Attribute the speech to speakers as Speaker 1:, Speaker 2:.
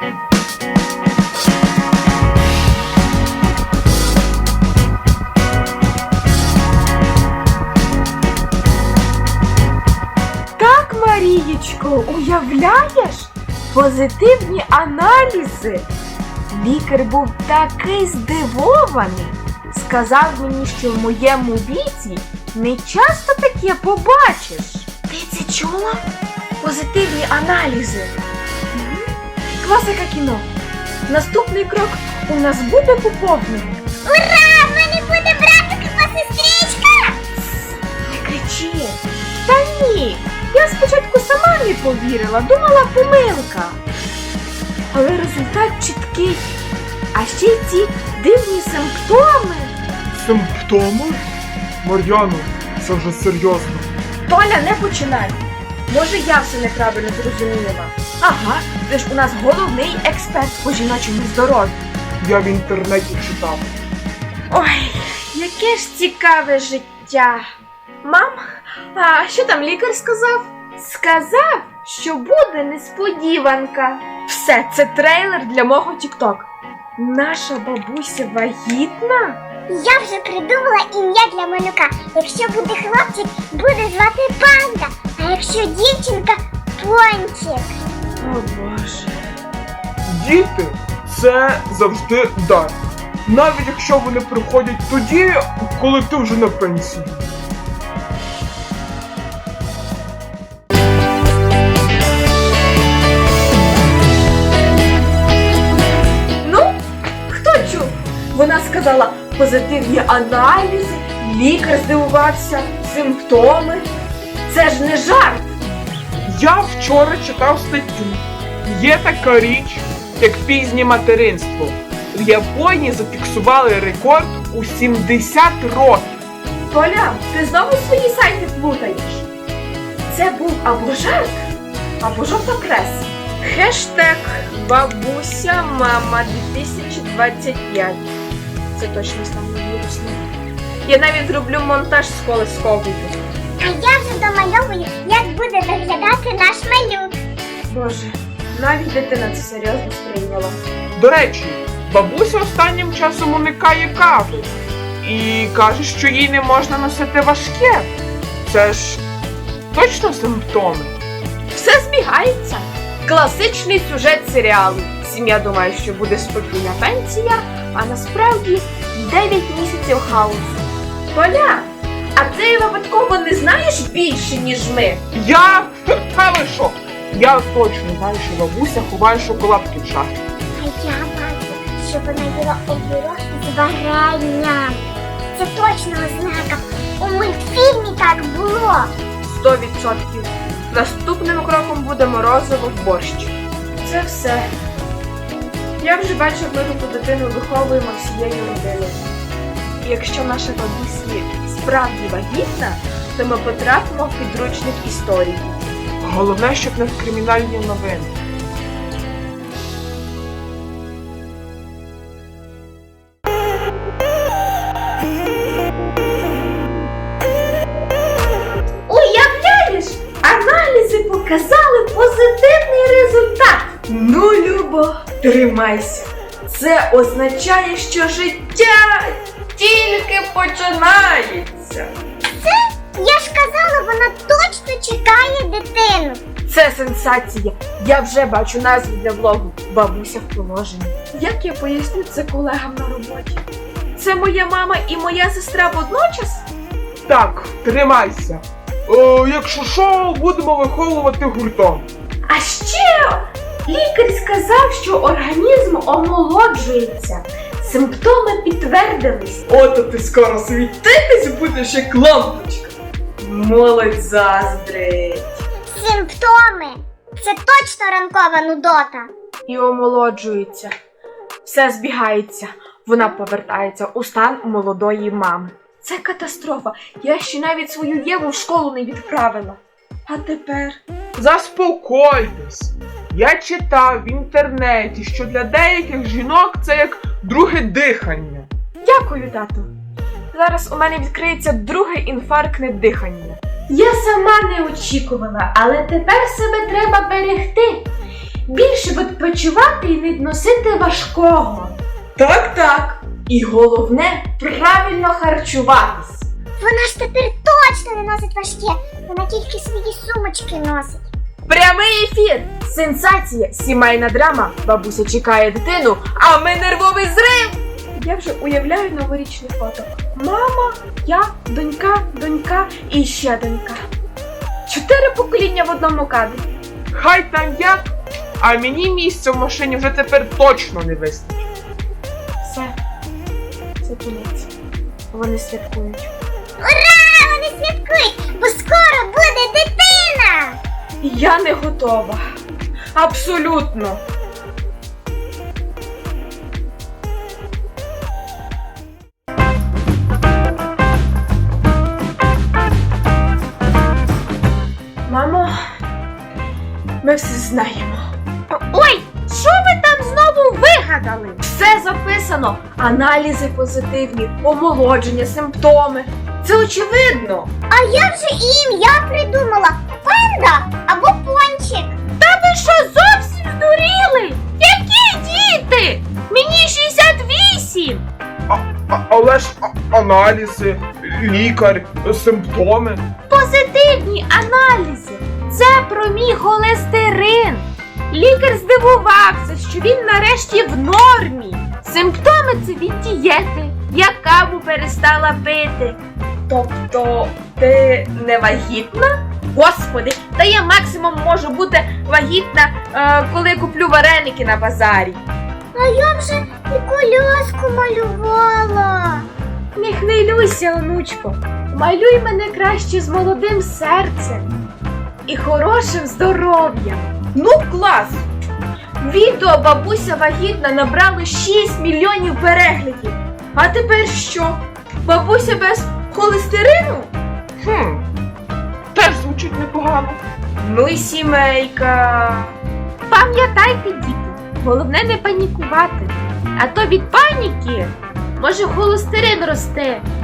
Speaker 1: Так, Марієчко, уявляєш? Позитивні аналізи. Лікар був такий здивований. Сказав мені, що в моєму віці не часто таке побачиш. Ти це чула? Позитивні аналізи. Класика кіно. Наступний крок – у нас буде поповнення.
Speaker 2: Ура! В мене буде братик або сестричка!
Speaker 1: Не кричи. Та ні. Я спочатку сама не повірила, думала помилка. Але результат чіткий. А ще й ці дивні симптоми.
Speaker 3: Симптоми? Мар'яно, це вже серйозно.
Speaker 1: Толя, не починай. Може, я все неправильно зрозуміла. Ага, ти ж у нас головний експерт по жіночому здоров'ю.
Speaker 3: Я в інтернеті читав.
Speaker 1: Ой, яке ж цікаве життя. Мам, а що там лікар сказав? Сказав, що буде несподіванка. Все, це трейлер для мого тік-ток. Наша бабуся вагітна?
Speaker 2: Я вже придумала ім'я для малюка. Якщо буде хлопчик, буде звати Панда, а якщо дівчинка – Пончик.
Speaker 1: О Боже.
Speaker 3: Діти – це завжди дар. Навіть якщо вони приходять тоді, коли ти вже на пенсії.
Speaker 1: Ну, хто чув? Вона сказала позитивні аналізи, лікар здивувався, симптоми. Це ж не жарт.
Speaker 3: Я вчора читав статтю. Є така річ, як пізнє материнство. В Японії зафіксували рекорд у 70 років.
Speaker 1: Толя, ти знову свої сайти плутаєш. Це був або жарт, або жовта преса. Хештег бабуся мама 2025. Це точно стане вірусним. Я навіть зроблю монтаж з колисковою.
Speaker 2: А я вже домальовую, як буде виглядати наш малюк.
Speaker 1: Боже, навіть дитина це серйозно сприйняла.
Speaker 3: До речі, бабуся останнім часом уникає кави. І каже, що їй не можна носити важке. Це ж точно симптоми.
Speaker 1: Все збігається. Класичний сюжет серіалу. Сім'я думає, що буде спокійна пенсія, а насправді 9 місяців хаосу. Толя, а ти випадково не знаєш більше, ніж ми?
Speaker 3: Я? Та ви що? Я точно знаю, що бабуся ховає шоколадки в шафі.
Speaker 2: А я бачу, що вона їла огірок з варенням. Це точно ознака. У мультфільмі так було.
Speaker 1: 100%. Наступним кроком буде морозиво в борщ. Це все. Я вже бачу, як ми таку дитину виховуємо всією родиною. І якщо наша бабуся справді вагітна, то ми потрапимо в підручник історії.
Speaker 3: Головне, щоб не в кримінальні новини.
Speaker 1: Уявляєш, аналізи показали позитивний результат. Ну, Любо, тримайся. Це означає, що життя тільки починається.
Speaker 2: Я ж казала, вона точно чекає дитину.
Speaker 1: Це сенсація. Я вже бачу назву для влогу «Бабуся в положенні». Як я поясню це колегам на роботі? Це моя мама і моя сестра водночас?
Speaker 3: Так, тримайся. Якщо що, будемо виховувати гуртом.
Speaker 1: А ще лікар сказав, що організм омолоджується. Симптоми підтвердились. Ото ти скоро світитись будеш як лампочка. Молодь заздрить.
Speaker 2: Симптоми. Це точно ранкова нудота.
Speaker 1: І омолоджується. Все збігається. Вона повертається у стан молодої мами. Це катастрофа. Я ще навіть свою Єву в школу не відправила. А тепер?
Speaker 3: Заспокойтесь. Я читав в інтернеті, що для деяких жінок це як друге дихання.
Speaker 1: Дякую, тату. Зараз у мене відкриється друге інфарктне дихання. Я сама не очікувала, але тепер себе треба берегти. більше відпочивати і не носити важкого. Так. І головне правильно харчуватись.
Speaker 2: Вона ж тепер точно не носить важке, вона тільки свої сумочки носить.
Speaker 1: Прямий ефір! Сенсація! Сімейна драма! Бабуся чекає дитину, а ми нервовий зрив! Я вже уявляю новорічне фото. Мама, я, донька і ще донька. 4 покоління в одному кадрі.
Speaker 3: Хай там як, а мені місця в машині вже тепер точно не вистачить.
Speaker 1: Все. Це кінець. Вони святкують.
Speaker 2: Ура! Вони святкують, бо скоро буде дитина!
Speaker 1: Я не готова. Абсолютно. Мамо, ми все знаємо. Ой, що ви там знову вигадали? Все записано. Аналізи позитивні, омолодження, симптоми. Це очевидно.
Speaker 2: А я вже і ім'я придумала. Панда або пончик.
Speaker 1: Та ви що, зовсім здуріли? Які діти? Мені 68!
Speaker 3: Але ж аналізи, лікар, симптоми.
Speaker 1: Позитивні аналізи. Це про мій холестерин. Лікар здивувався, що він нарешті в нормі. Симптоми це від дієти. Я каву перестала пити. Тобто ти не вагітна? Господи, та я максимум можу бути вагітна, коли куплю вареники на базарі.
Speaker 2: А я вже і коляску малювала.
Speaker 1: Не хвилюйся, онучко. Малюй мене краще з молодим серцем і хорошим здоров'ям. Ну, клас! Відео бабуся вагітна набрало 6 мільйонів переглядів. А тепер що? Бабуся без холестерину?
Speaker 3: Теж звучить непогано.
Speaker 1: Ну і сімейка. Пам'ятайте, діти, головне не панікувати. А то від паніки може холестерин росте.